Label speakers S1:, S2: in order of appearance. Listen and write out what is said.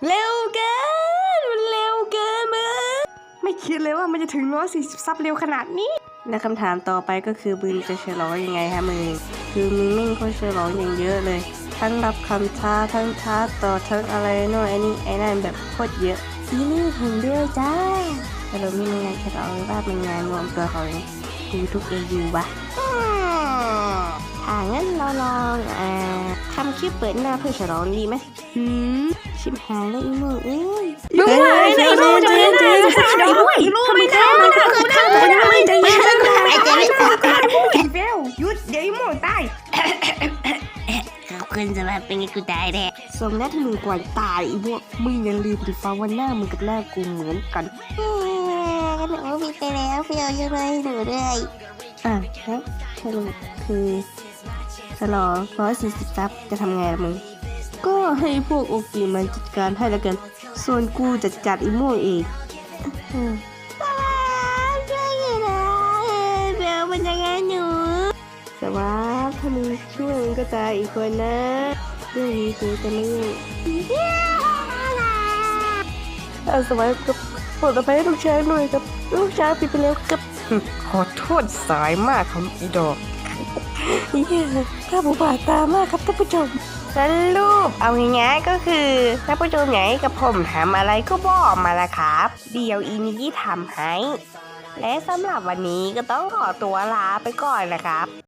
S1: เร็วเกินมันเร็วเกินมึงไม่คิดเลยว่ามันจะถึง140 ซับเร็วขนาดนี้และคำถามต่อไปก็คือมึงจะฉลองยังไงฮะมึงคือมึงไม่ค่อยฉลองอย่างเยอะเลยทั้งรับคำท้าทั้งท้าต่อทั้งอะไรโน่นไอ้นี่ไอ้นั่นแบบโคตรเยอะอีนี่เห็นด้วยจ้าแต่เราไม่มีงานฉลองหรือว่าเป็นงานรวมตัวของยูทูบเอยูวะถ้างั้นเราลองทำคลิปเปิดหน้าเพื่อฉลองดีไหมชิมหายแล้วอีโม่เอ้ยมึงหายนะอีโม่เจ๊อีโม่ไม่ได้ไม่ได้ไม่ได้ไม่เฟลหยุดเดี๋ยวอีโม่ตายขอบคุณสำหรับเป็นไงกูตายแท้สมนัดที่มึงกว่าตายอีโม่มึงอย่าลืมดิฟ้าวันหน้ามึงกับหน้ากูเหมือนกันหนูผิดไปแล้วเฟลยังไงหนูด้วยแล้วสรุปคือฉลอง140 ซับจะทำไงล่ะมึงก็ให้พวกโอกิมันจัดการให้แล้วกันส่วนกูจะจัดอีโม่เองช่วยอยู่นะเบลมันจะงานหนูสวัสดีถ้ามึงช่วยมึงก็ตายอีกคนนะเรื่องนี้กูจะไม่ยุ่งสวัสดีกับปลดอภัยให้ลูกชายหน่อยครับลูกชายผิดไปแล้วครับขอโทษสายมากครับอีดอกถ้าผู้บาดตามากครับท่านผู้ชมสรุปเอาง่ายๆก็คือท่านผู้ชมอยากให้กับผมทำอะไรก็บอกมาละครับเดี๋ยวอีนี้ทำให้และสำหรับวันนี้ก็ต้องขอตัวลาไปก่อนนะครับ